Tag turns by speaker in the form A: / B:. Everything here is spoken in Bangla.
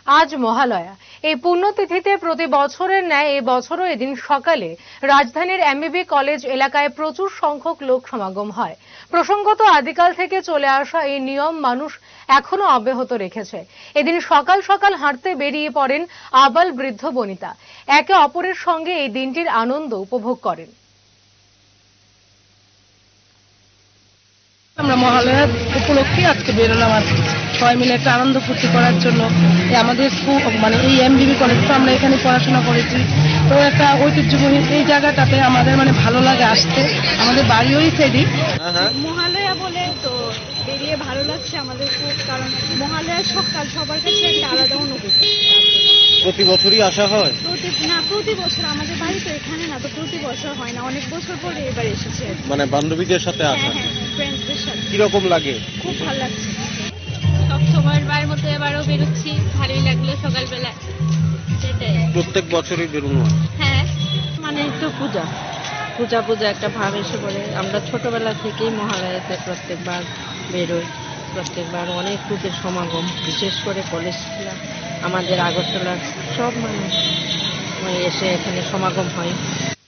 A: আজ মহালয়া। এই পুণ্যতিথিতে প্রতি বছরের ন্যায় এই বছরও এদিন সকালে রাজধানীর এমবিবি কলেজ এলাকায় প্রচুর সংখ্যক লোক সমাগম হয়। প্রসঙ্গত আদিকাল থেকে চলে আসা এই নিয়ম মানুষ এখনো অব্যাহত রেখেছে। এদিন সকাল সকাল হাঁটতে বেরিয়ে পড়েন আবাল বৃদ্ধ বনিতা। একে অপরের সঙ্গে এই দিনটির আনন্দ উপভোগ করেন।
B: আমরা মহালয়া উপলক্ষে আজকে বেরোলাম আর সবাই মিলে একটা আনন্দ ফুর্তি করার জন্য। আমাদের স্কুল এই এমবিবি কলেজ, তো আমরা এখানে পড়াশোনা করেছি, তো একটা ঐতিহ্যবাহী এই জায়গাটাতে আমাদের ভালো লাগে আসতে। আমাদের বাড়িও সেদিক
C: মহালয়া বলে তো বেরিয়ে ভালো লাগছে আমাদের খুব, কারণ মহালয়ার সকাল সবার কাছে একটা আলাদা অনুভূতি।
D: প্রতি বছরই আসা হয়?
C: প্রতি বছর আমাদের বাড়ি তো এখানে না, তো প্রতি বছর হয় না, অনেক বছর পরে এবার এসেছে।
D: বান্ধবীদের সাথে আসা?
C: হ্যাঁ, ফ্রেন্ডসদের সাথে।
D: কিরকম লাগে?
C: খুব ভালো লাগছে।
E: সব সময়ের বার মতো এবারও বেরোচ্ছি, ভালোই লাগলো সকালবেলা। সেটাই
D: প্রত্যেক বছরই বেরোনো হয়?
E: হ্যাঁ,
B: একটু পূজা একটা ভাব এসে পড়ে। আমরা ছোটবেলা থেকেই মহালয়াতে প্রত্যেকবার বেরোই, প্রত্যেকবার অনেক লোকের সমাগম, বিশেষ করে কলেজ আমাদের আগরতলার সব মানুষ এসে এখানে সমাগম হয়।